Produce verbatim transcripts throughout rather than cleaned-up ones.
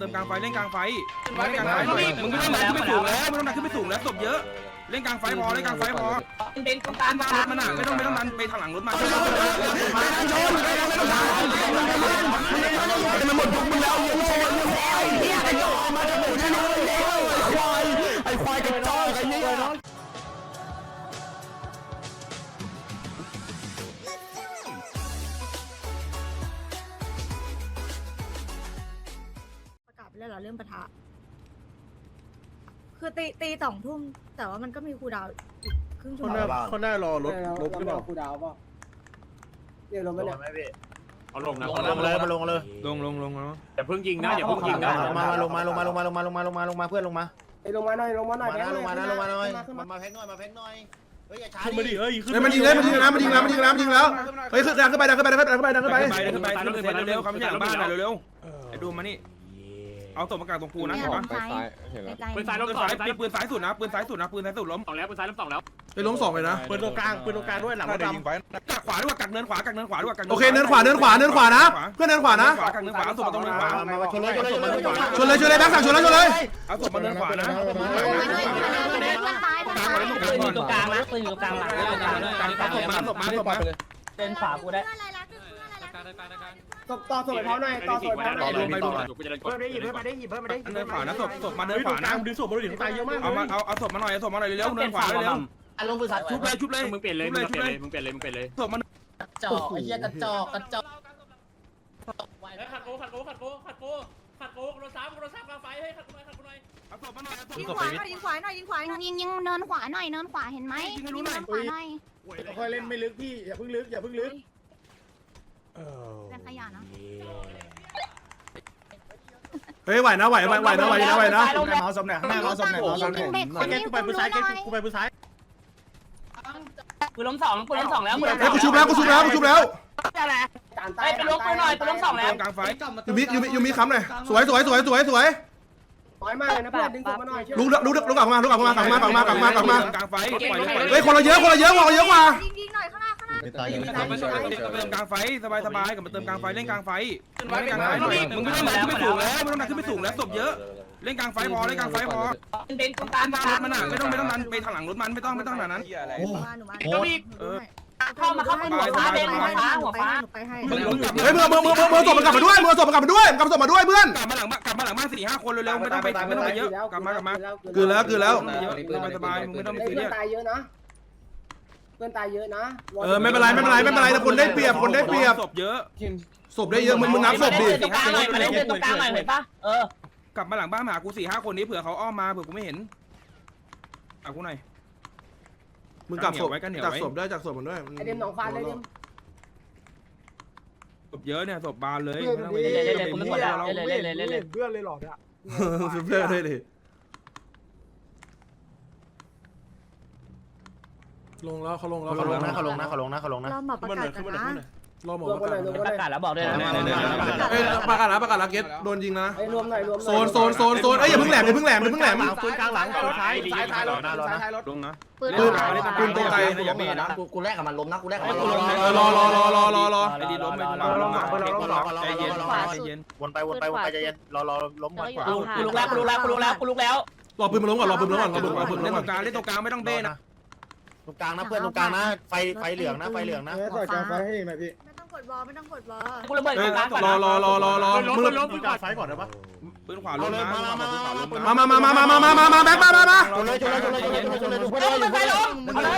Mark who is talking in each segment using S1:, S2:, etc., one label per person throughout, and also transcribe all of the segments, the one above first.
S1: ติมกลางไฟเล่นกลางไฟเล่นกลางไฟหน่อยมึงไม่ต้องดันขึ้นไปสูงแล้วไม่ต้องดันขึ้นไปสูงแล้วศพเยอะเล่นกลางไฟพอเล่นกลางไฟพอ
S2: เป็นตรงกลาง
S1: รถมันอ่ะไม่ต้องไม่ต้องดันไปทางหลังรถมา
S3: มันหมดยุคมึงแล้วยังโง่ยังควายเฮียไอ้โง่มาจากหมู่ที่นู่นแล้วควายไอ้ควายกระจอกไอ้เหี้ย
S4: ประกาศไปแล้วเหรอเรื่องปะทะคือตีตีสองทุ่มแต่ว่ามันก็มีครูดาวอีกครึ่งชั่วโมง
S3: เขาหน้ารอรถรถหรือเปล่า
S5: ครูดาวเปล่าเดี๋ยวลงไปเนี่ย
S6: เอาลงนะ
S3: ลงเลยมาลงเลย
S1: ลงลงลงแล้ว
S6: อย่าเพิ่งยิงนะอย่าเพิ่งยิงนะ
S3: มาลงมาลงมาลงมาลงมาลงมาลงมาลงมาเพื่อนลงมา
S5: ไอ้ลงมาหน่อยลงมาหน่อย
S3: ลงมานะลงมานะลงมาหน่อย
S5: ขึ้นมา
S3: มาแพ็กหน่อยมาแพ็กหน่อยเฮ้ยอย่าช้า
S7: ขึ้นมา
S3: ดิ
S7: ดิเฮ้ยขึ้น
S8: เฮ้ยมันยิงเลยมันยิงแล้วมันยิงแล้วมันยิงแล้วมันยิงแล้วเฮ้ยขึ้นดันขึ้นไปดันขึ้นไปดันขึ้นไปดันขึ้นไปดันขึ้นไป
S1: ขึ้นไปขึ้นไปเร็วๆคำที่หลังบ้านเร็วๆไอ้ดูมานี่เอาศพมากางตรงกูนะเห็นปะ
S6: ปืนซ้ายล้ม
S1: ปืน
S6: สอง
S1: ซ้ายปืนซ้ายสุดนะปืนซ้ายสุดนะปืนซ้ายสุดล้ม
S6: สองแล้วปืนซ้ายล้มสองแล้ว
S8: ไปล้มสองเลยนะ
S7: ปืนตรงกลางปืนตรงกลางด้วยหลังรถดำ
S1: กักขวาด้วยกักเนินขวากักเนินขวาด้วยกัก
S8: โอเคเนินขวาเนินขวาเนินขวานะเพื่อนเนินขวานะ
S1: กักเนินขวาเอาศพมาตรงเนินขวา
S3: มามาชนเลยชนเลยชนเลย
S8: ชนเลยชนเลยแบ็คสั่งชนเลยชนเลย
S1: เอาศพมาเนินขวานะ
S2: ปืนอยู่ตรงกลางนะปืนอยู่ตรงกลางหลัง
S1: กักศพมาศพมาศพมา
S2: เป็นฝากูได้
S5: ตบต่อสวยเขาหน่อยต่อสวยเขาหน่อย
S6: ลงไปดูกูจะเดินก
S5: เพิ่
S6: ด
S5: มได้หยิบเพิ่มมาได้หยิบเพิ่มมาได้
S1: เนินขวานะศพศพมาเนิน
S7: เฮ้ย
S1: ข
S7: ตร
S1: วาง
S7: กลา
S1: นะ
S7: งดึงศพมาดูดิตายเยอะมาก
S1: เอามาเอาเอาศพมาหน่อยเอาศพมาหน่อยเร็วเนินขวาเร็ว
S2: อารมณ์ปืนสาย
S1: ชุบเลยชุบเลย
S6: มึงเปลี่ยนเลยมึงเปลี่ยนเลยมึงเปลี่ยนเลยมึงเปลี่ยนเลย
S1: ศพมัน
S2: จอกไอ้เหี้ยกระจอกกระจอก
S6: ขัดโกขัดโกขัดโกขัดโกขัดโกรถสามรถสามกลางไฟเฮ้ยขัดโกหน่อยขัดโกหน่อย
S1: เอาศพมาหน่อยเอาศพ
S4: ยิงขวาหน่อยยิงขวาหน่อยยิงขวาหน่อย
S9: ยิงยิงเนินขวาหน่อยเนินขวาเห็นไหมยิงเนินขวาหน่อย
S7: ค่อยเล่นไม่ลึกพี่อย่าเพิ่งลึกอย่าเพิ่งลึก
S9: เป็นขยะนะ
S8: เฮ้ยไหวนะไหวไหวไหวนะไหวนะไหวนะ
S7: เมาสมเนี่ยหน้าเมาสมเนี่ยเมาสมเนี่ย
S9: เบรกคนนี้
S7: กูไปปืนซ้ายกูไปปืนซ้าย
S2: ปืนล้มสองปืนล้มสองแล้ว
S8: เฮ้ยกูชุบแล้วกูชุบแล้วกูชุบแล้ว
S2: อะไร
S5: จานใต้
S2: ไอ้ปืนล้มปืนหน่อยปืนล้มสองแล้ว
S1: กลางไฟ
S8: ยูมิยูมิยูมิค้ำหน่อยสวยสวยสวยสวยสวย
S5: น้อยมากเลยนะเพื่อนดึงศพมาหน่อย
S8: ลุกลุกลุกกลับมาลุกกลับมากลับมากลับมากลับมากลับมาก
S1: ลางไฟปล่อย
S8: เฮ้ยคนเราเยอะคนเราเยอะคนเราเยอะกว่า
S4: ยิงยิงหน่อยข้างหน้าข้างหน้า
S3: ไม่ตายยังไม่ตาย
S1: เติมกลางไฟสบายสบายกับมาเติมกลางไฟเล่นกลางไฟเล่นกลางไฟหน่อยมึงไม่ต้องดันขึ้นไปสูงแล้วไม่ต้องดันขึ้นไปสูงแล้วศพเยอะเล่นกลางไฟพอเล่นกลางไฟพอ
S2: เป็นตรงกลาง
S1: รถมันอ่ะไม่ต้องไม่ต้องดันไปทางหลังรถมันไม่ต้องไม่ต้องขนาดนั้น
S8: โอ้
S4: มาหนูมา
S8: โห
S1: เออ
S2: เข้ามาเข้ามาหัวฟ้าเด่นหัวฟ้าหัวฟ้า
S4: หนูไปให้
S1: มึงมึงกลับ
S8: เฮ้ยมือมือมือมือมือศพมันกลับมาด้วยมือศพมันกลับมาด้วยกลับศพมาด้วยเพื่อน
S1: กลับมาหลังบ้านกลับมาหลังบ้านสี่ห้าคนเร็วๆไม่ต้องไปไม่ต้องไปเยอะกลับมากลับมา
S8: คือแล้วคือแล้ว
S1: เยอะสบายสบายมึงไม่ต้องไป
S5: เพื่
S1: ซีเรี
S5: อย น
S1: ส
S5: ตายเยอะนะเพื่อนตายเยอะนะ
S8: เออไม่เป็นไรไม่เป็นไรไม่เป็นไรแต่คนได้เปรียบคนได้เปรียบ
S1: ศพเยอะ
S8: ศพได้เยอะมึงมึงนับศพดิ
S2: ตรงกลางหน่อยมาเล่นตรงกลางหน่อยเห็นปะเออก
S1: ลับมาหลังบ้านมาหากูสี่ห้าคนนี้เผื่อเขาอ้อมมาเผื่อกูไม่เห็นเอากูหน่อย
S8: มึงกลับศพจากศพได้จากศพมันด้วย
S5: ไอเดมหนองฟ้าเลยเดม
S1: ศพเยอะเนี่ยศพบานเลย
S2: เล่นเล่นเล่นผมไม่กดแล้วเล่นเล่นเล่นเล่นเล่น
S7: เพื่อนเลยหรอเนี่ย
S8: เพื่อนได้ดิลงแล้วเขาลงแล้ว
S3: เขาลงนะเขาลงนะเขาลงนะเขาลงนะ
S4: เราหมอประกาศกันนะ
S8: รอหมอ
S5: รวม
S8: ประ
S5: กัน
S8: กา
S5: หน่อยรวม
S8: ศ
S5: กันหน่อย
S2: ประกาศแล้วบอกด้วยนะ
S8: เอ้ยประกาศนะประกาศละเกตโดนยิงนะ
S5: ไอ้รวมหน่อยรวม
S8: โซนโซนโซนโซนเอ้ยอย่าเพิ่งแหลมอย่าเพิ่งแหลมอย่าเพิ่งแหลม
S7: ปืนกลางหลังปืนซ้ายซ้ายท้ายรถซ้ายท้ายรถ
S1: ลงนะ
S9: ปืน
S8: ปืนปืนตรงไกล
S1: อย่าเบรนะ
S3: กูกูแลกกับมันล้มนะกูแลกกับมัน
S8: เออรอรอรอรอรอรอ
S1: ไอ้ดีล้มไปลงนะใจเย็นใจเย็น
S3: วนไปวนไปวนไปใจเย็นรอรอล้มก่อน
S2: กูลุกแล้วกูลุกแล้วกูลุกแล้วกูลุกแล้ว
S8: รอปืนมาล้มก่อนรอปืนมาล้มก่อนรอปืนรอปืนมา
S1: เล่
S8: ล้
S1: น
S8: ม
S1: ต
S8: ก่
S1: ร
S8: อน
S1: งกลางเล่นตรงกลางไม่ต้องเบ้นะ
S3: ตรงกลางนะเพื่อนตรงกลางนะไฟไฟเหลืองนะไฟเหลืองนะ
S7: ต่อยกลางไฟให้หน่อยพี่
S4: ไม่ต้องกดวอลไม่ต้องกดวอล
S2: กูระเบิด
S8: เอ้ย
S2: กลางก่อน
S8: รอรอรอรอรอ
S7: ล้ม
S8: มึง
S7: ล้มปืนกลางไฟก่อนได้ปะ
S1: ปืนขวาลงนะปืนขวาลงนะ
S8: มามามามามามามามาแบ็คมามามา
S3: ชนเลยชนเลยชนเลยชนเลยชนเลยชนเลย
S2: เฮ้ยมันไปลงเอาเลย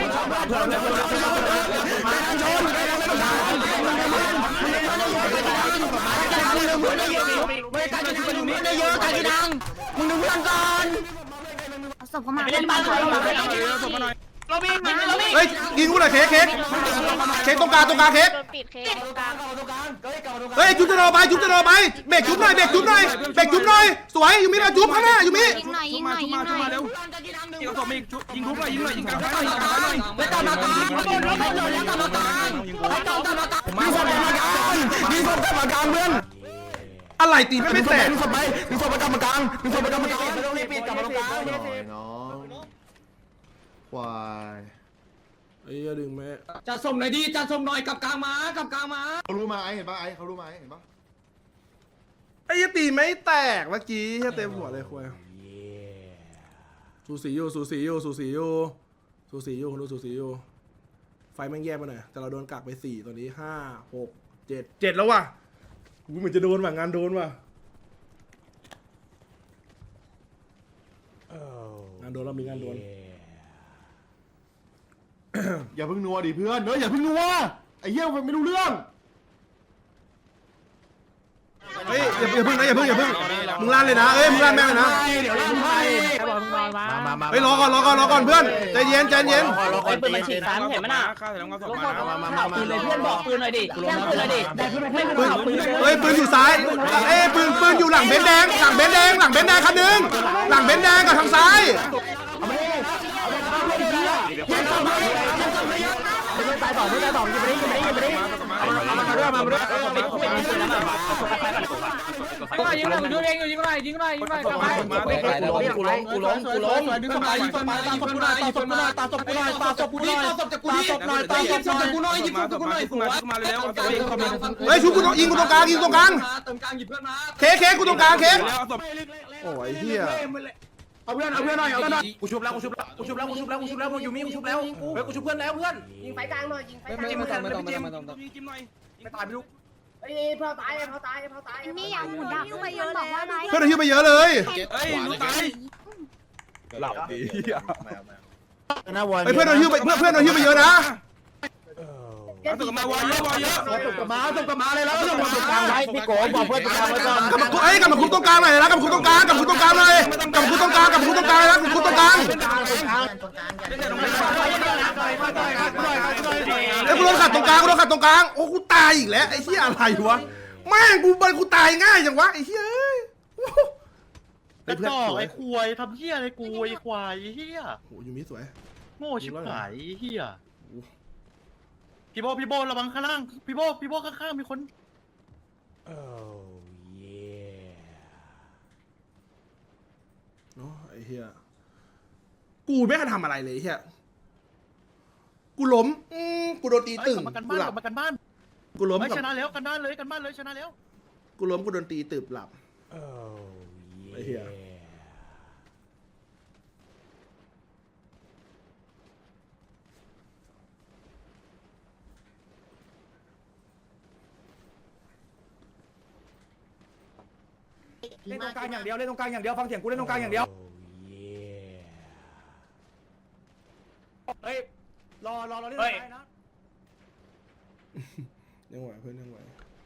S3: ไม่การจะทำมึงได้เยอะการจะดังมึงดูเพื่อนก่อน
S9: ศพเข้ามา
S2: ไปเล่นบ้านใครมาเล่นบ้านใคร
S1: ศพมาหน่อย
S2: เราวิ่งวิ่งเราวิ่ง
S8: เฮ้ยยิงกูหน่อยเค้กเค้กเค้กตรงกลางตรงกลางเค้ก
S9: ปิดเค้กตรงกลาง
S8: เฮ้ยจุ๊บจะรอไปจุ๊บจะรอไปเบรกจุ๊บหน่อยเบรกจุ๊บหน่อยเบรกจุ๊บหน่อยสวยยูมิเราจุ๊บข้างหน้ายูมิ
S9: ยิงหน่อยยิงหน่อยยิงหน่อย
S1: เร็วยิงศพอีกยิงทุบหน่อยยิงหน่อยยิงกลางไฟหน่อยยิงกลางไฟหน่อยไม่ต้องมาตามยิงกูแล้วก็โดนแล้วกลับมาตามยิงกูไม่ต้องมาตาม
S3: มีศพกรรมการมีศพกรรมการเพื่อน
S8: อะไรตีไม่แตก
S3: มีศพไหมมีศพกรรมการมีศพกรรมการไม่ต้องรีบปิดกลับมาตรงกลาง
S8: น้องควายไอ้ดึงแม่
S2: จะส่งหน่อยดิจะส่งหน่อยกับกลางมากับกลางมา
S10: เขารู้มาไอเห็นปะไอเขารู้มาไอเห็นปะ
S8: ไอ้อ้ยตีไม่แตกเมื่อกี้เต็มหัวเลยคุยสูสีอยู่สูสีอยู่สูสีอยู่สูสีอยู่คนดูสูสีอยู่ไฟแม่งแย่ไปหน่อยแต่เราโดนกักไปสี่ตอนนี้ห้าหกเจ็ดเจ็ดแล้วว่ะกูเหมือนจะโดนว่ะงานโดนว่ะงานโดนเรามีงานโดน
S7: อย่าเพิ่งนัวดิเพื่อนเนอะอย่าเพิ่งนัวไอ้เหี้ยมันไม่รู้เรื่อง
S8: เฮ้ยอย่าอย่าเพิ่งนะอย่าเพิ่งอย่าเพิ่งมึงลั่นเลยนะเอ้ยมึงลั่นแม่งเลยนะ
S2: เดี๋ยวลั่นให้
S8: เฮ้ยรอก่อนรอก่อนรอก่อนเพื่อนใจเย็นใจเย็น
S1: ไอ้ปืนมันฉีดสามเห็นมั้ยน่ะข้าวใส่น้ำกระสอบมา
S2: ปืนเลยเพื่อนบอกปืนหน่อยดิปืนหน่อยดิได้ปืนไม่
S8: ปืนเฮ้ยปืนอยู่ซ้ายเอ้ยปืนปืนอยู่หลังเบนแดงหลังเบนแดงหลังเบนแดงคันนึงหลังเบนแดงกับทางซ้าย
S2: ไม่ตายต่อไม่ตายต่อยิงไปดิยิงไปดิยิงไปดิเอามาด้วยมาด้วยยิงหน่อยดูเองอยู่ยิงหน่อยยิงหน่อยยิงหน่อยกูล้มกูล้มกูล้มกูล้มดึงมายิงมาตาศพกูหน่อยตาศพกูหน่อยตาศพกูหน่อยตาศพกูหน่อยตาศพจากกูหน่อยตาศพจากกูหน่อยยิงศพจากกูหน่อยสวย
S1: มาเร็ว
S8: เฮ้ยชุบกูยิงกูตรงกลางยิงตรงกลาง
S2: เติมกลางหยิบเพื่อนมา
S8: เค้กเค้กกูตรงกลางเค้ก
S1: แล้วเอาศพ
S8: โอ้ยเฮีย
S2: เอาเพื่อนเอาเพื่อนหน่อยเอาเพื่อนหน่อย
S3: กูชุบแล้วกูชุบแล้วกูชุบแล้วกูชุบแล้วกูชุบแล้วกูอยู่มีกูชุบแล้วเฮ้ยกูชุบเพื่อนแล้วเพื่อน
S5: ยิงไฟกลางหน่อยยิงไฟกลาง
S1: จิ้มไม่ต้องไม่ต้องไม่ต้องไม่ต้องจิ้มหน่อย
S3: ไม่ตายไม่รู้
S5: ไอ้เผาตายเผาตายเผาตาย
S9: มีอย่างหมุนดับไปเยอะบอกว่าอะไร
S8: เพื่อนหิ้วไปเยอะเลย
S1: เฮ้ยรู้ตาย
S3: หลับดี
S8: ไอ้เพื่อนหิ้วไปเพื่อนเพื่อนหิ้วไปเยอะนะ
S1: เอาศพมาวายเยอะวายเยอะ
S2: ตบกับมาตบกับมาเลยแล้วตบกับกลางไว้พี่โกบอกเพื่อนตรงกลางไว้ก่อน
S8: กลับมาคุไอ้กลับมาคุตรงกลางหน่อยนะกลับมาคุตรงกลางกลับมาคุตรงกลางหน่อยกลับมาคุตรงกลางกลับมาคุตรงกลางนะกลับมาคุตรงกลางไอ้กูโดนขัดตรงกลางกูโดนขัดตรงกลางโอ้กูตายอีกแล้วไอ้เหี้ยอะไรวะแม่งกูมันกูตายง่ายจังวะไอ้เหี้ยไอ้เพื่อนไอ้
S7: ควายทำเหี้ยอะไรกูไอ้ควายเหี้ย
S8: โหยูมิสวย
S7: โง่ชิบหายเหี้ยพี่โบพี่โบระวังข้างล่างพี่โบพี่โบข้างๆมีคนโอ้เย่
S8: เนาะไอ้เหี้ยกูไม่ทันทำอะไรเลยเหี้ยกูล้มอืมกูโดนตีตึง
S7: กลับมากัน
S8: กู
S7: บ้าน
S8: หลั
S7: ก
S8: บ
S7: ลับมากันบ้าน
S8: กูล้ม
S7: ไม่
S8: กับ
S7: ชนะแล้วกันบ้านเลยกันบ้านเลยชนะแล้ว
S8: กูล้มกูโดนตีตึบหลับ
S7: โอ้
S8: ไอ้เหี้ย
S3: เล่นตรงกลางอย่างเดียวเล่นตรงกลางอย่างเดียวฟังเสียงกูเล่นตรงกลางอย่างเดียวเฮ้ยรอรอรอเล่นได้นะ
S8: ยังไหวเพื่อนยังไหว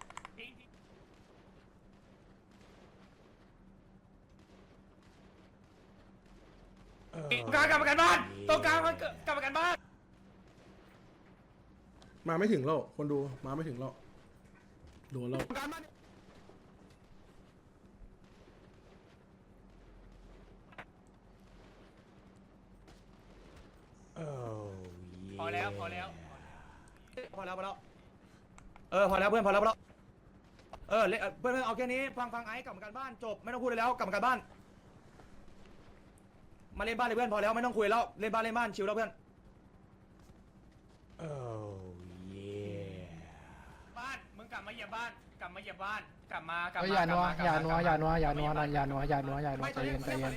S3: ตรงกลางกลับมากันบ้านตรงกลางกลับมากันบ้าน
S8: มาไม่ถึงแล้วคนดูมาไม่ถึงแล้วโดนแล้ว
S6: พอแล้วพอแล้ว
S3: พอแล้วพอแล้วเออพอแล้วเพื่อนพอแล้วพอแล้วเออเพื่อนเอาแค่นี้ฟังฟังไอ้กลับมากันบ้านจบไม่ต้องพูดเลยแล้วกลับมากันบ้านมาเล่นบ้านเลยเพื่อนพอแล้วไม่ต้องคุยแล้วเล่นบ้านเล่นบ้านชิลแล้วเพื่อน
S7: โอ้เย่
S6: บ้านมึงกลับมาเหยียบบ้านกลับมาเหยียบบ้านกลับมากลับ
S2: เฮ้ย
S6: มา
S2: อย่านัวอย่านัวอย่านัวอย่านัวนันอย่านัวอย่านัวอย่านัวใจเย็นใจเย็น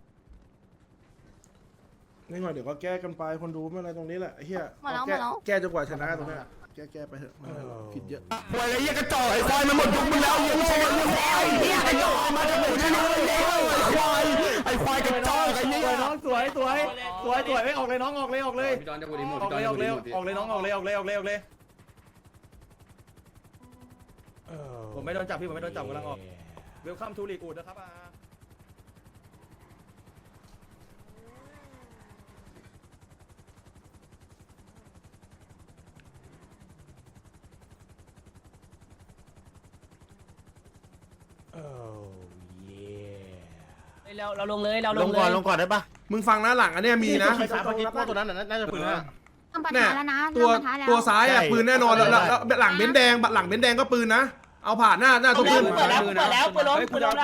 S8: นี่หน่อยเดี๋ยวก็แก้กันไปคนดูไม่อะไรตรงนี้แหละไอ้เหี้ย
S9: หมดแล้วหม
S8: แก้
S9: ดแล้ว
S8: แก้จนกว่าชนะตรงเนี้ยแก้แก้ไปเถอะไม่เป็นไรหรอกผิดเยอะ
S3: ควายไอ้เหี้ยกระจอกไอ้ควายมันหมดยุคมึงแล้วมึงโง่มึงแล้วไอ้เหี้ยกระจอกมาจากกูชนะแล้วไอ้ควายไอ้ควายกระจอกไอ้เหี้ยน้องสวยสวยสวยสวยไม่ออกเลยน้องออกเลยออกเลยออกเลยออกเลยออกเลยน้องออกเลยออกเลยออกเลยออกเลยผมไม่โดนจับพี่ผมไม่โดนจับกำลังออกเวลคัมทูลีกูดนะครับอา
S2: เราเราลงเลยเราล
S7: ล
S2: ง
S7: ง
S2: เล
S7: ก่อน
S2: ย
S7: ลงก่อนได้ปะ
S8: มึงฟังนะหลังอันเนี้ยมีนะ
S7: ไฟฟ้าเมื่อกี้พวกตัวนั้นน่าจะปืนนะ
S9: ทำปัญ
S8: เนี่ย
S9: หาแล้วนะ
S8: ตัว
S9: ทำปัญหาแล้ว
S8: ตัวซ้ายอ่ะ
S7: ใช่
S8: ปืนแน่นอนแล้วแล้วแล้วหลังเบนซ์แดงหลังเบนซ์แดงก็ปืนนะเอาผ่านหน้าหน้าตรงปืน
S2: เปิดแล้วเปิดแล้วเปิดล้มเปิดล้มแล้ว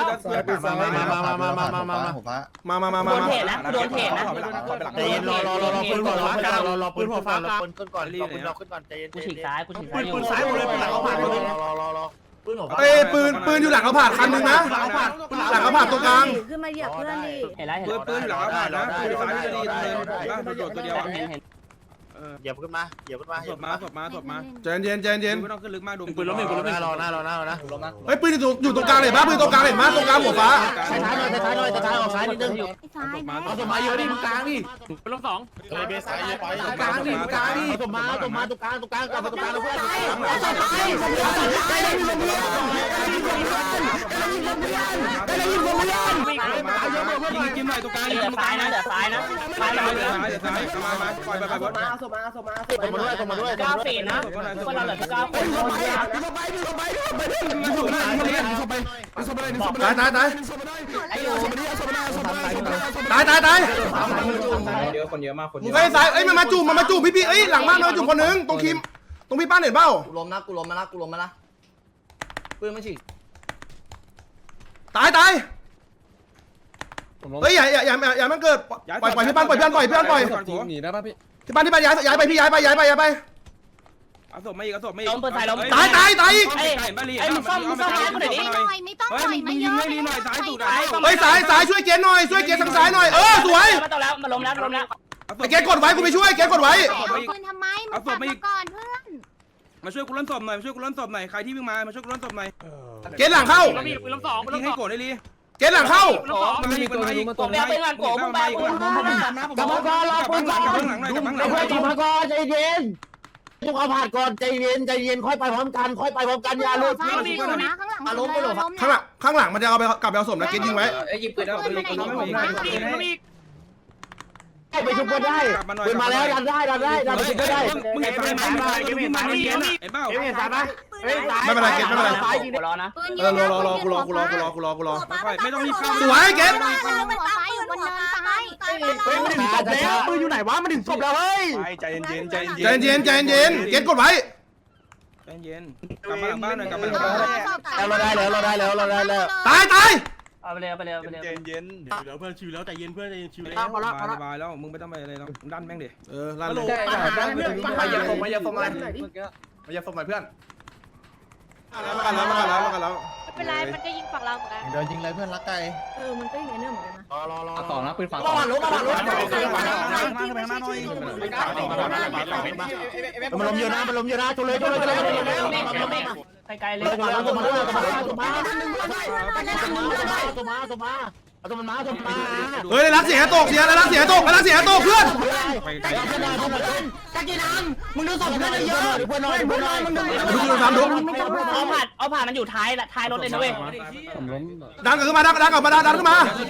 S8: มามามามา
S2: โดน
S8: มา
S2: เทนะโดนเทนะ
S7: ใจเย็นรอรอรอรอปืนหัวฟ้ากลางรอรอปืนหัวฟ้ากลางปืนก่อนรอปืนเราขึ้นก่อนใจเย็น
S2: กูฉีกซ้ายกูฉีก
S7: ปื
S2: ซ้าย
S7: นปืนซ้ายหมดเลยปืนหลังเราผ่านหมดเลยรอรอรอ
S8: เอ้ยปืนปืนอยู่หลังเอาผ่านคันนึงนะหลังเอาผ่านตรงกลาง
S4: ขึ้นมาเหยียบเพื่อนดิ
S2: เห็นแล้วเห็น
S1: ปืนปืนอยู่หลังอาผ่านนะปืนซ้ายจะดีเลยนะประโยชน์ตัวเดียว
S2: เห็นเห็น
S7: เหยียบขึ้นมาเหยียบขึ้นมา
S1: ศพมาศพมาศพมา
S8: ใจเย็นใจเย็น
S1: ไม่ต้องขึ้นลึกมากดู
S7: ปืนล้มหนึ่งปืนล้มหนึ่งรอหน้ารอหน้ารอหน้า
S8: เฮ้ยปืนอยู่อยู่ตรงกลางเลยปะปืนตรงกลางเลยมั้ยตรงกลางหัวฟ้า
S2: ซ้ายหน่อยซ้ายหน่อยซ้ายออกซ้ายนิดนึง
S9: ซ้ายแม่
S7: เอาสมาเยอะดิตรงกลางดิ
S6: ปืนล้มสอง
S7: เบสายเยอะไป
S2: ตรงกลางดิตรงกลางดิตรงมาตรงมาตรงกลางตรงกลางกลับมาตรงกลางแล้วเพื่อน
S1: ยิงจิ้มหน่อยตรงกลาง
S2: เหลือซ้ายนะเหลือซ้ายนะซ้าย
S1: ซ้าย
S2: เหลือ
S1: ซ้ายซ้ายมามาปล่อยไปไปบด
S5: มาสมาสมาส
S2: ตรงมาด้วยตรงมาด้วยเก้าฟีดนะพวกเราเหลือแค่เก้าคน
S8: ตายตายตายตายตายตาย
S1: เยอะคนเยอะมากคน
S8: มึงไปซ้ายเอ้ยมันมาจูบมันมาจูบพี่พี่เอ้ยหลังบ้านมันมาจูบคนนึงตรงคิมตรงพี่ป้านเห็นเปล่า
S2: กูล้มนะกูล้มมานะกูล้มมานะปืนมันฉีก
S8: ตายตายเฮ้ยอย่าอย่าอย่าอย่ามันเกิดปล่อยปล่อยพี่ป้านปล่อยพี่ป้านปล่อยพี่ป้านปล่อย
S3: หนีได้ป่ะพี่
S8: ที่ป้านที่ป้านย้ายย้ายไปพี่ย้ายไปย้ายไปย้ายไป
S1: เอาศพมาอีกเอาศพมาอีก
S8: ตายตายตายอีก
S1: ไอ้มึงซ่อมมึงซ่อม
S9: ไม่หน่อยไม่ต้อง
S1: เฮ้ย
S9: หน่อย
S1: มึ
S9: ไม่
S1: ง
S9: เย
S1: ยิง
S9: อะ
S1: ให้ดีหน่อยซ้ายสุดอ่ะ
S8: เฮ้ยสายสายช่วยเกณฑ์หน่อยช่วยเกณฑ์ทางซ้ายหน่อยเออสวย
S2: มาต่อแล้วมาล้มแล้วล้มแล้ว
S8: ไอ้เกณฑ์กดไว้กูไปช่วยเกณฑ์กดไว้
S9: เอาปืนทำไมมึงกลับมาก่อนเพื่อน
S1: มาช่วยกูล้นศพหน่อยมาช่วยกูล้นศพหน่อยใครที่วิ่งมามาช่วยกูล้นศพหน่อย
S8: เกณฑ์หลังเข้า
S6: ปืนล้มสองปืนล้
S1: ยิ
S6: ม
S1: ง
S6: ส
S1: ให้
S6: อง
S1: โกรธได้ลี
S8: เกณฑ์หลังเข้า
S6: ปืนล้มสอง
S1: มันมีคนไหน
S2: กบแล้วไปงานกบมึงไปปืน
S1: กลับมาก่อนรอปืนก่อนกลับมาหลังหน่อยกลับมาหลังหน่อย
S2: กลับมาก่อนใจเย็นทุกเอาผ่านก่อนใจเย็นใจเย็นค่อยไปพร้อมกันค่อยไปพร้อมกันอย่าลุด
S9: ซ้ายอยู่นะข้างหลังล้ม
S8: ข้างหลังข้างหลังมันจะเอาไปกลับไปเอาศพนะเกณฑ์ยิงไว้
S1: ยิงปืนแล้วปืนยิงปืนแล้ว
S2: ไปชุบก็ได้ปืนมาแล้วดันได้ดันได้ดันไปชุบก็ได้
S1: มึงเห็นไฟไหมมึงเห็นไฟเห็นเปล่า
S2: เห็นสายปะ
S8: ไม่เป็นไรเกณฑ์ไม่เป็นไร
S2: ซ้ายยิงรอนะ
S9: ปืน
S8: เอ
S9: เย
S8: อ
S9: อะ
S8: รอรอรอกูรอกูรอกูรอกูรอกูรอ
S1: ไม่ต้องรีบเข้า
S8: สวยเกณฑ์
S9: หัวซ้ายอยู่บนเนินซ้าย
S2: เฮ้ยมันถึงศพแล้วปืนอยู่ไหนวะมันถึงศพแล้วเฮ้ย
S7: ใจเย็นใจเย็น
S8: ใจเย็นใจเย็นเกณฑ์กดไว้
S1: ใจเย็นกลับมาหลังบ้านหน่อยกลับมาหลังบ้าน
S2: แล้วเราได้แล้วเราได้แล้วเราได้แล้ว
S8: ตายตาย
S2: เอาไปเลยเอาไปเลยเอาไปเลย
S7: เย็นเย็นเดี๋ยวเพื่อนชิวแล้วใจเย็นเพื่อนใจเย็นชิวแล้ว
S1: สบายสบายแล้วมึงไม่ต้องไปอะไรแล้วดันแม่งดิ
S8: เออลั่นเลย
S7: มายาฟมมายาฟมมายาฟมมาเพื่อน
S8: มากันแล้วมากันแล้วมากันแล้ว
S9: ไม่เป็นไรมันก็ยิงฝั่งเราเหมือนกัน
S7: เดินยิงเลยเพื่อนรักไก่
S4: เออมันก็อย่างนี้เหมือนกันนะ
S7: รอรอรอ
S3: ต่อนะปืนฝั่ง
S2: มาหลุดมาหลุด
S7: มันลมเยอะนะมันลมเยอะนะชนเลยชนเลยชนเลยชนเลย
S2: ไกลๆเลยมาแล้วมาแล้วมาแล้วมาตัวมาตัวมาเอาตัวมันมาตัวมันมา
S8: เฮ้ยรักเสียตกเสียรักเสียตกรักเสียตกเพื่อน
S2: ตะกี้น้ำมึงดูศพเพื่อนเยอะเพื่อนน้อยเพื่อนน้อยมึงดู
S8: ดูดูทำดู
S2: เอาผ่านเอาผ่านมันอยู่ท้ายท้ายรถเลยนะเว้ย
S3: ผมล้ม
S8: ดันขึ้นมาดันดันกลับมาดันดันขึ้นมา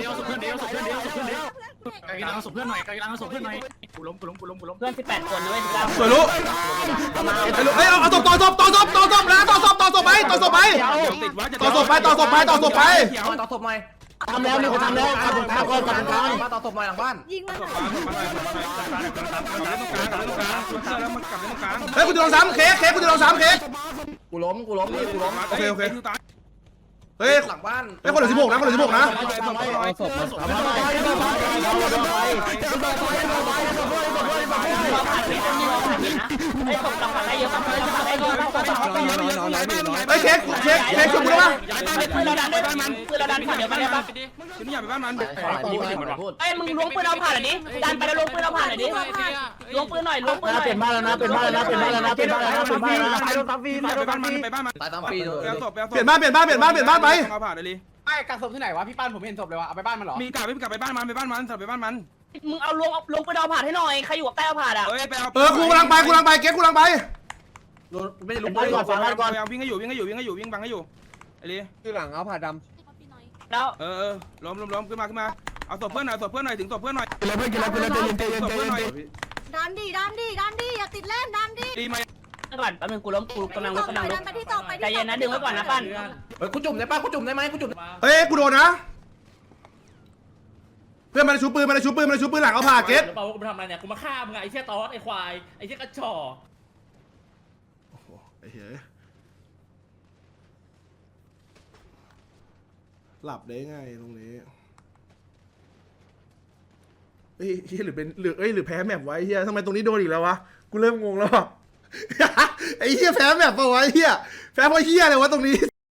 S7: ไก่ล้างศพเพื่อนหน่อยไก่ล้างศพเพื่อนหน่อยกูล้มกูล้มกูล้มกูล้ม
S2: เพื่อนสิบแปดคนนะเว้ยสิบเก้า
S8: สวยรู้ไอ้ลูกเอ้ยเอาเอาศพต่อศพต่อศพต่อศพนะต่อศพต่อศพไปต่อศพไปต่อศพไปต่อศพไปต่อศพไป
S7: ต่อศพหน่อย
S2: ทำแล้วนี่เขาทำแล้วกลับตรงกลางก่อนกลับตรงกลาง
S7: มาต่อศพหน่อยหลังบ้าน
S4: ยิงมัน
S1: กลับมาตรงกลางกลับมาตรงกลางกลับมาตรงกลางชุดเสื้อแล้วมันกลับมาตรงกลาง
S8: เฮ้ยกูจะลองซ้ำเค้กเค้กกูจะลองซ้ำเค้ก
S2: กูล้มกูล้มนี่กูล้ม
S8: โอเคโอเคเฮ้ย
S7: หลังบ้าน
S8: เฮ้ยคนเหลือสิบหกนะคนเหลือสิบหกนะ
S3: เอาศพมา
S2: ไอ้ตกกลับมาได้เยอะมากเลยไอ้ก็ต้องต่อ
S8: เฮ้ยเค้กเค้กเค้กชุบกูได้ปะ
S2: ปืนเราดันได้บ้านมันปืนเราดันผ่านเดี๋ยวไปได้ปะ
S1: ชุดนี้อย่าไปบ้านมัน
S2: ไอ้มึงล้วงปืนเราผ่านหน่อยดิดันไปแล้วล้วงปืนเราผ่านหน่อยดิล้วงปืนหน่อยล้วงปืนหน่อยเปลี่ยนบ้านแล้วนะเปลี่ยนบ้านแล้วนะเปลี่ยนบ้านแล้วนะเปลี่ยนบ้านแล้วนะเปลี่ยนบ้านแล้วนะไปโดนซับฟรี
S1: ไปบ้านมันไปบ้านมัน
S7: ตายตามปี
S1: ไปเอาศพไปเอาศพ
S8: เปลี่ยนบ้านเปลี่ยนบ้านเปลี่ยนบ้านเปลี่ยนบ้านไป
S1: เอาผ่านเลย
S5: ไอ้กักศพที่ไหนวะพี่ป้านผมเห็นศพเลยวะเอาไปบ้านมันหรอ
S1: มีกลับไปกลับไปบ้านมันไปบ้านมันไปบ้านมัน
S2: มึงเอาล้วงล้วงปืนเราผ่านให้หน่อยใครอยู่กับใต้เอาผ่านอ่ะ
S1: เฮ้ยไปเอา
S8: เออกูกำลังไปกูกำลังไปเก๊กกูกำลังไป
S7: ไม่ได้ลุ
S2: เป็น
S7: ก
S2: บ้านก่อนฟังบ้านก่อน
S1: เอาวิ่งให้อยู่วิ่งให้อยู่วิ่งให้อยู่วิ่งบังให้อยู่ไอ้ลี
S3: คือหลังเอาผ่าด
S2: แล้ว
S1: เออเออล้มล้มล้มขึ้นมาขึ้นมาเอาศพเพื่อนหน่อยศพเพื่อนหน่อยถึงศพเพื่อนหน่อย
S3: ำกินแล้วเพื่อนกินแล้วกินแล้วใจเย็นใจเย็นใจเย็น
S4: ดันดิดันดิดันดิอย่าติดเล่นดันดิ
S1: ดีไหม
S2: ก่อนแป๊บนึงกูล้มกูกำลังลุกกำลังลุ
S4: ดั
S2: ก
S4: นไปที่ตกไป
S2: ใจเย็นนะดึงไว้ก่อนนะปั้น
S7: เฮ้ยกูจุ่มได้ป่ะกูจุ่มได้ไหมกูจุ่ม
S8: เฮ้ยกูโดนนะเพื่อนมันชูปืนมันชูปืนมันชูปืนหลังเอาผ่าเก๊ก
S6: เปล่ากูมาทำอะไรเนี่ยกูมาฆ่ามึงไอ้เชี่ยตอสไอ้ควายไอ้เชี่ยกระจอก
S8: ไอ้เหี้ยหลับได้ไงตรงนี้เฮ้ยเฮียหรือเป็นหรือเอ้ยหรือแพ้แมปไว้เฮียทำไมตรงนี้โดนอีกแล้ววะกูเริ่มงงแล้วอะ ไอ้เฮียแพ้แมปปะวะไอ้เฮียแพ้เพราะเฮียอะไรวะตรงนี้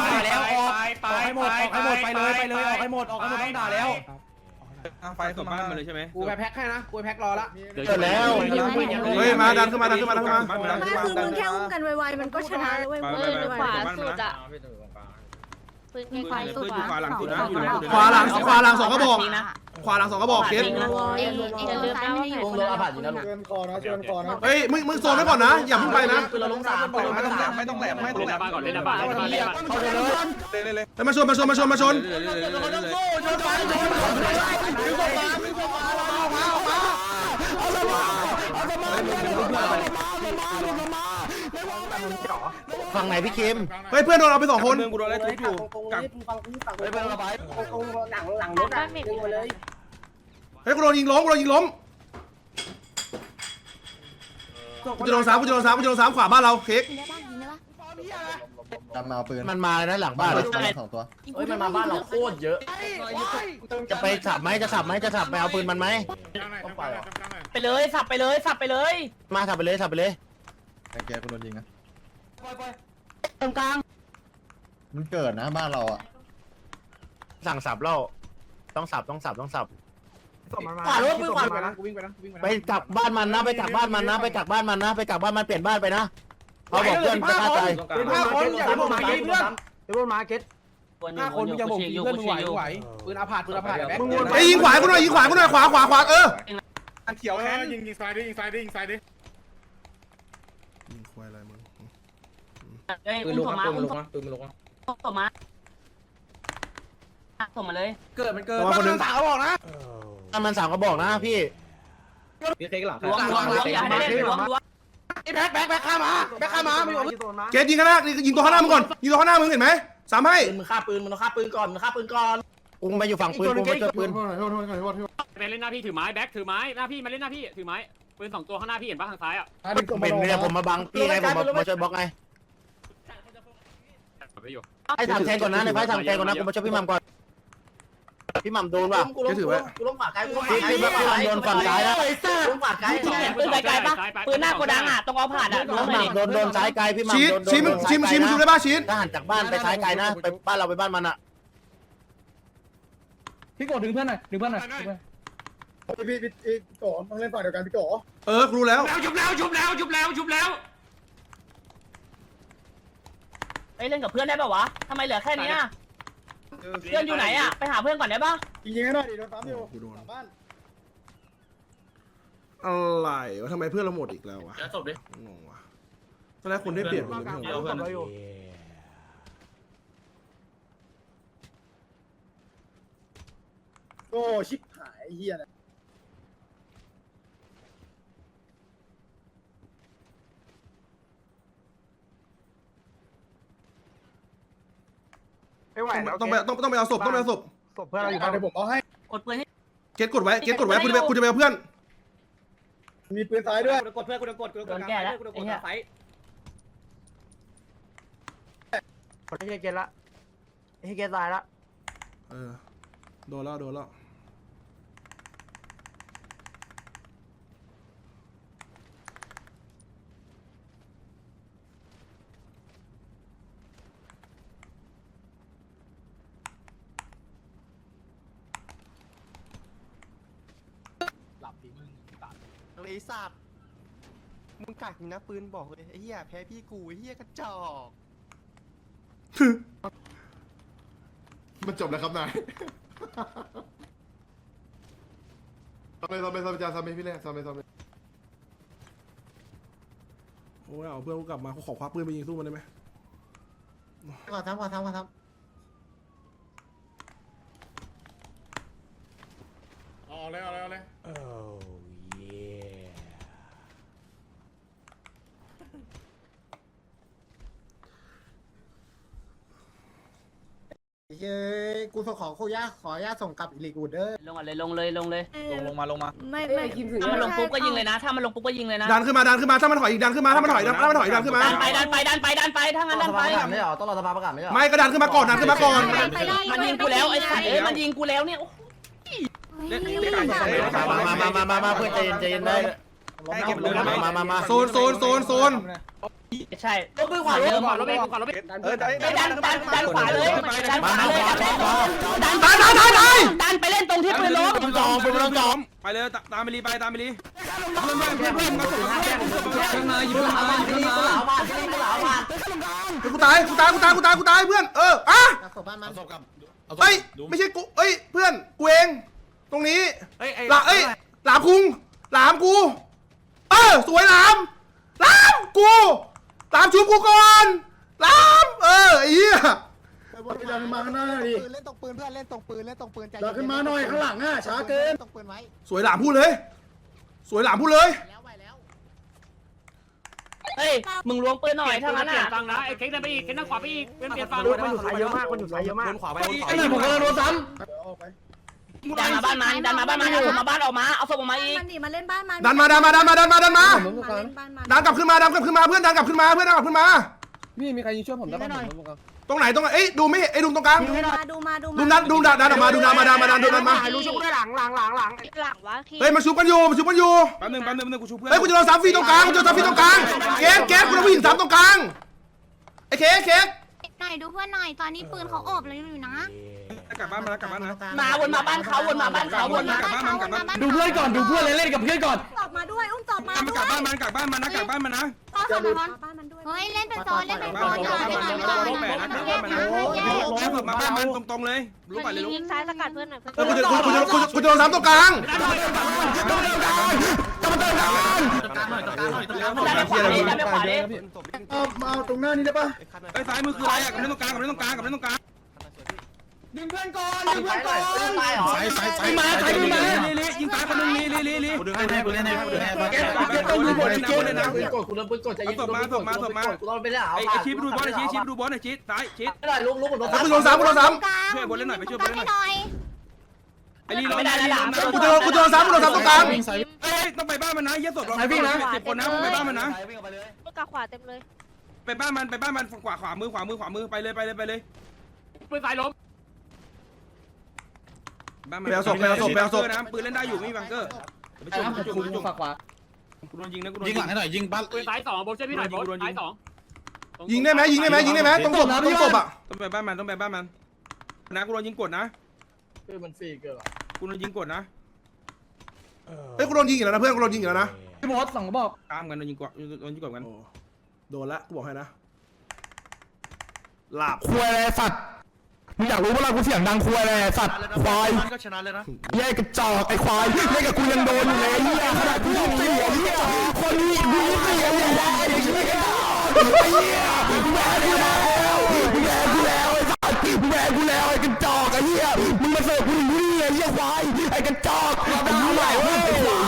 S2: ต้องด่าแล้วออกออกให้หมดออกให้หมดไปเลยไปเลยออกให้หมดออกให้หมดต้องด่าแล้ว
S1: กลางไฟศพบ้านมาเลยใช่ไหม
S5: กูไปแพ็คให้นะกูไปแพ็ครอละ
S3: เกิดแล้ว
S8: เฮ้ยมาดันขึ้นมาดันขึ้นมาดันขึ้นมา
S4: ไม่คือมึงแค่อุ้มกันไวๆมันก็ชนะแล้วเว้ย
S1: ไป
S4: เว้ย
S1: ไป
S4: ไว
S1: ไป
S4: ๆ
S1: บ้านมานะ
S9: ปืนไฟสุด
S1: อยู่ขวาหลังสุดนะอยู่
S8: ขวาหลังขวาหลังสองกระบอกขวาหลังสองกระบอกเกต
S9: เองเองจะลืมนะว่าอยู่คนละฝั่งนะลูก
S3: เชิญคอนะเชิญคอนะ
S8: เฮ้ยมึงมึงโซนไว้ก่อนนะอย่าเพิ่งไปนะ
S2: เราลงสาม
S1: ไม่ต้องแหลมไม่ต้องแหลมไม่ต้องแหลม
S6: บ้านก่อนเล่นบ้านเล่นบ้านเล่นบ้าน
S2: เข้าเลยเลย
S1: เลยเลย
S8: เฮ้ยมาชนมาชนมาชนมาชน
S2: ชนไปชนดึงศพมาดึงศพมาออกมาออกมาเอาศพมาเอาศพมา
S3: ฝั่งไหนพี่คิม
S8: เฮ้ยเพื่อนโดนเอาไปสองคน
S1: เมืองกูโดนอะไรทุบอยู่กัก
S2: ไปไประบาย
S9: หลังหลังรถอ่ะดึงมาเลย
S8: เฮ้ยกูโดนยิงล้มกูโดนยิงล้มกูจะโดนสามกูจะโดนสามกูจะโดนสามขวาบ้านเราเค้ก
S9: ยิงได้ป่ะยิงได้ป่ะ
S3: จำมาเอาปืนมันมาเลยนะหลังบ้านสองตัว
S2: เฮ้ยมันมาบ้านเราโคตรเยอะ
S3: จะไปสับไหมจะสับไหมจะสับไปเอาปืนมันไหม
S2: ไปเลยสับไปเลยสับไปเลย
S3: มาสับไปเลยสับไปเลย
S7: แกกูโดนยิงนะ
S2: ตรงกลาง
S7: มันเกิดนะบ้านเราอ่ะ
S3: สั่งสับแล้วต้องสับต้องสับต้องสับ
S2: ขวารถมือขวา
S5: ไปนะกูวิ่งไปนะกูวิ่งไปนะ
S3: ไปกลับบ้านมันนะไปกลับบ้านมันนะไปกลับบ้านมันนะไปกลับบ้านมันเปลี่ยนบ้านไปนะเขาบอกเพื่อนจะฆ่าใจ
S5: ห้าคนอย่าบอกมาเพื่อน
S2: เดี๋ยวมาเก็ต
S5: ห้าคนอย่าบอกเพื่อนมึงไหวมึงไหวปืนอาผาดปืนอาผาดแบ็ค
S8: ไอ้ยิงขวากูหน่อยยิงขวากูหน่อยขวาขวาขวาเออ
S5: อันเขียวแฮน
S7: ยิงยิงซ้ายดิยิงซ้ายดิยิงซ้ายดิ
S8: ยิงควายอะไรมึง
S2: ปืนลูกมาปืนลูกมาปืนลูกมา
S9: ส่งมาส่งมาเลย
S2: เกิดมันเกิด
S8: ระวังคนหนึง
S5: สาวบอกนะ
S3: ถ้ามันสั่งก็บอกนะพี่
S2: พี่เค้กหลัง
S9: ล้วงล้วงล้วงอย่าให้เล่นล้วงล้วง
S5: ไอ้แบ็คแบ็คแบ็คข้ามาแบ็คข้ามาไม่อยู่
S8: เกตยิงข้างหน้ายิงตัวข้างหน้ามึงก่อนยิงตัวข้างหน้ามึงเห็นไหมสามให้
S2: ปืนมึงฆ่าปืนมึงฆ่าปืนก่อนมึงฆ่าปืนก่อน
S3: กูมาอยู่ฝั่งปืนกูมาเจอปืน
S6: ไปเล่นหน้าพี่ถือไม้แบ็คถือไม้หน้าพี่มาเล่นหน้าพี่ถือไม้ปืนสองตัวข้างหน้าพี่เห็นปะทางซ้ายอ่ะ
S3: เป็นเนี่ยผมมาบังพี่ไงผมมาช่วยบล็อกไง
S6: ไปอยู่
S3: ไอ้ทำแทนก่อนนะในไฟทำแทนก่อนนะกูมาช่วยพี่มัมก่อนพี่มัมโดนว่ะ
S8: เกตถือไว้
S2: กูล้มขวาไกลกูล้มข
S3: พี่
S2: วาไกล
S3: พี่มัมโดนฝั่งซ้ายแล้ว
S2: กูล้มขวาไกล
S9: ปืนไกลๆป่ะปืนหน้าโกดังอ่ะต้องเอาผ่านอ่ะ
S3: พี่มัมโดนโดนซ้ายไกลพี่มัม
S8: ชี้
S3: โดน
S8: ชี้มึงชี้มึงชี้มึงดูได้ป่ะชี้
S3: ถ้าหันจากบ้านไปซ้ายไกลนะไปบ้านเราไปบ้านมันอ่ะ
S2: พี่โกดึงเพื่อนหน่อยดึงเพื่อนหน่อย
S3: พี่พี่พี่โกต้องเล่นฝั่งเดียวกันพี่โก
S8: เออรู้แล้ว
S6: แล้วชุบแล้วชุบแล้วชุบแล้วชุบแล้ว
S9: เอ้ยเล่นกับเพื่อนได้ป่ะวะทำไมเหลือแค่นี้อ่ะเพื่อนอยู่ไหนอ่ะไปหาเพื่อนก่อนได้ป่ะ
S3: ยิงให้หน่อยดิโดนปั๊มอยู่
S8: กูโดนอะไรวะทำไมเพื่อนเราหมดอีกแล้ววะ
S2: จบดิ
S8: งงวะตอนแรกคนได้เปลี่ยนหมดเลยไม่เหรอ
S2: เพื่อน
S3: โอ้ชิบหายเฮียนะ
S5: ไม่ไหวแล้ว
S8: ต้องไปต้องต้องไปเอาศพต้องไปเอาศพ
S5: ศพเพื่อนเราอยู่บ้าน
S3: เดี๋ยวผมเอาให้
S9: กดปืนให้
S8: เกตกดไว้เกตกดไว้กูจะไปกูจะไปเอาเพื่อน
S3: มีปืนซ้ายด้วย
S5: กดเพื่อนกูจะกดกูจะก
S9: โด
S5: ด
S9: นแก้แล้วไอ้เหี้ย
S5: ไฟไม่ใช่เกณฑ์ละ
S2: ให้แกตายละ
S8: เออโดนแล้วโดนแล้ว
S2: ไอ้สัตว์มึงกักนะปืนบอกเลยไอ้เหี้ยแพ้พี่กูไอ้เหี้ยกระจอก
S3: มันจบแล้วครับนายทำไมทำไมทำไมทำไมพี่เล่ทำไมทำไม
S8: โอ้ยเอาเพื่อนกูกลับมากูขอคว้าปืนไปยิงสู้มันได้ไหม
S2: ขอทำขอทำขอทำ
S3: เอาเลยเอาเลยเอาเลย
S2: เย้กูขอขอขอญาตขอญาตส่งกลับอีลีกูเด้อ
S9: ลงอ่ะเลยลงเลยลงเลย
S1: ลงลงมาลงมา
S4: ไม่ไม่
S9: ถ้ามันลงปุ๊บก็ยิงเลยนะถ้ามันลงปุ๊บก็ยิงเลยนะ
S8: ดันขึ้นมาดันขึ้นมาถ้ามันถอยอีกดันขึ้นมาถ้ามันถอยดันถ้ามันถอยดันขึ้นมา
S9: ดันไปดันไปดันไปดันไปถ้างั้นดันไป
S2: ไม่เหรอต้องรอสภาประกาศไม่เหรอ
S8: ไม่ก็ดันขึ้นมาก่อนดันขึ้นมาก่อน
S9: มันยิงกูแล้วไอ้สัตว์เอ้ยมันยิงกูแล้วเนี่ย
S1: เล่นเล่นการไฟ
S2: มามามามามาเพื่อนใจเย็นใจเย็นได้
S1: ให้เก็บเลย
S2: มามามา
S8: โซนโซนโซนโซน
S9: ใช่ยกมือขวาเดิมก่อนรถเองก่อนรถเองดันดันดันขวาเลยดันขวาเลยดัน
S8: ตายตายตายตาย
S9: ดันไปเล่นตรงที่ปืนล้ม
S8: จอมเป็นจอม
S1: ไปเลยตามไปรีไปตามไปรีเพื่อนเพื่อนเพื่อนเพื่อนมาส่งมาเพื่อนเพื่อนมาหยิบมาหยิบมา
S8: กูตายกูตายกูตายกูตายกูตายเพื่อนเอออ่ะ
S2: ศพบ้านมัน
S8: เอ้ยไม่ใช่กูเอ้ยเพื่อนกูเองตรงนี้หลาเอ้ยหลามคุงหลามกูเออสวยหลามหลามกูหลามชุบกูก่อนหลามเออไอ้เหี้ย
S3: ดันมาข้างหน้าดิ
S2: เล่นตรงปืนเพื่อนเล่นตรงปืนเล่นตรงปืนใจ
S3: ดันขึ้นมาหน่อยข้างหลังอ่ะช้าเกิน
S2: ตรงปืนไว้
S8: สวยหลามพูดเลย สวยหลามพูดเลย
S2: แล้วไว้แล้ว
S9: เฮ้ยมึงล้วงปืนหน่อยถ้างั้นอ่ะ
S6: ฟังนะไอ้เค้กได้ไปอีกเค้กนั่งขวาไปอีกเป็นเปลี่ยนฟัง
S2: มันอยู่สายเยอะมากมันอยู่สายเยอะมาก
S1: ขวาไป
S8: ไอ้นี่ผมกำลังโดนซ้
S9: ดันมาบ้านมันดันมาบ้านมันเอาศพมาบ้านออกมาเอาศพออกมาอีก
S4: มันดิมาเล่นบ้านมัน
S8: ำดันมาดันมาดันมาดันมาดันมา
S4: มาเล่นบ้านมัน
S8: ดันกลับขึ้นมาดันกลับขึ้นมาเพื่อนดันกลับขึ้นมาเพื่อนดันกลับขึ้นมา
S5: พี่มีใครยิงช่วยผมได้บ้าง
S8: ตรงไหนตรงไหนเอ้ยดูไม่ไอ้ดูตรงกลาง
S4: ดูมาดูมาดู
S8: ดูดันดูดันดันออกมาดูดันมาดันมาดันดูดันมา
S2: รู้ชุบด้วยหลังหลังหลังหลัง
S4: หลังวะพี่
S8: เฮ้ยมาชุบกันอยู่มาชุบกันอยู่
S1: แป๊บนึงแป๊บนึงแป๊บนึงกูชูเพื่อน
S8: เฮ้ยกูจะโดนสามฟรีตรงกลางกูจะโดนสามฟรีตรงกลางเกสเกสกูโดนผู้หญิงสามตรงกลางไอ้เค้กเค้ก
S4: หน่อยดูเพื่อนหน่อยตอนนี้ปืนเขาโอบเลยอยู่นะ
S1: กลับบ้านมาแล้วกลับบ้านนะ
S9: มาวนมาบ้านเขาวนมาบ้านเขาวนมา
S1: กลับบ้านมันกลับบ้าน
S5: ดูเพื่อนก่อนดูเพื่อนเล่นกับเพื่อนก่อน
S4: ตอบมาด้วยอุ้มตอบมา
S1: มันกลับบ้านมันกลับบ้านมันนะกลับบ้านมันนะ
S4: ต่อสมอนบ้านมันด้วยเฮ้ยเล่นเป็นโซนเล่นเป็นโซนอย่าเล่นเป็นโซน
S1: แปดนะกลับบ้านมันนะแล้วศพมาบ้านมันตรงๆเลยรู้ป่ะเลยรู้
S4: ยิงซ้ายสกัดเพื่อนหน่อย
S8: เออกูจะกูจะกูจะกูจะโดนสามตรงกลาง
S9: ดันไปขวาดิดันไปขวาดิ
S3: เอามาเอาตรงหน้านี้ได้ปะ
S1: ไอ้ซ้ายมือคืออะไรอ่ะกับเล่นตรงกลางกับเล่นตรงกลางกับเล่นตรงกลาง
S2: ดึงเพื่อนก่อนดึงเพื่อนก่อน
S9: ตายเหรอ
S3: ใส่ใส่ใส่
S1: มาใส่ลีลีลียิงซ้ายคนนึงลีลีลีลี
S3: กูดึงให้กูเล่นให้กูดึงให้
S1: เก็บเก็บต้องดูบอลนะบอลเลยนะ
S2: กดกูโดนปืนกดใจ
S1: เอาศพมาศพมาศพมา
S2: กูโดนไปแล้ว
S1: ไอ้ชิปดูบอลไอ้ชิปชิปดูบอลไอ้ชิปซ้ายชิป
S2: ไม่ได้ลุกลุกผมโดน
S8: กูโดนสามกูโดนสาม
S1: ไอ้ลีล้อมไอ้ลีล้อมนะ
S8: กูจะโดนกูจะโดนสามกูโดนสามตรงกลาง
S1: เอ้ยต้องไปบ้านมันนะเยี่ยศพเราสิบคนนะไปบ้านมันนะ
S4: กาขวาเต็มเลย
S1: ไปบ้านมันไปบ้านมันขวาขวามือขวามือขวามือไปเลยไปเลยไปเลย
S6: ปืนสายล้ม
S1: บ้านมันนะปืนเล่นได้อยู่ไม่มีบังเกอร์ไปจุ่มไปจุ่มไปจุ่ม
S5: ฝากขวา
S1: กูโดนยิงนะกูโดน
S3: ยิงหลังให้หน่อยยิงบ้าน
S6: ปืนสายสองโบช่วยพี่หน่อยโบสายสอง
S8: ยิงได้ไหมยิงได้ไหมยิงได้ไหมตรงศพตรงศพอ่ะ
S1: ต้องไปบ้านมันต้องไปบ้านมันนะกูโดนยิงกดนะ
S5: คือมันฟรีเกิน
S1: กูโดนยิงกดนะ
S8: เฮ้ยกูโดนยิงอีกแล้วนะเพื่อนกูโดนยิงอีกแล้วนะ
S5: พี่บอสสองบอก
S1: ตามกันโดนยิงกดโดนยิงกดกัน
S8: โดนละกูบอกให้นะหลับควายอะไรสัตว์มึงอยากรู้ว่าเรากูเสียงดังควายอะไรสัตว์ควาย
S7: ก็ชนะเลยนะ
S8: แย่กระจอกไอ้ควายเล่นกับกูยังโดนอยู่เลยเหี้ยขนาดกูยังเสียเหี้ยคนนี้กูยังเสียอย่างได้ไอ้เหี้ยไอ้เหี้ยมึงแย่กูแล้วมึงแย่กูแล้วไอ้สัตว์มึงแย่กูแล้วไอ้กระจอกไอ้เหี้ยมึงมาเสิร์ฟกูถึงนี่ไอ้เหี้ยควายไอ้กระจอกไอ้เหี้ยไอ้ควาย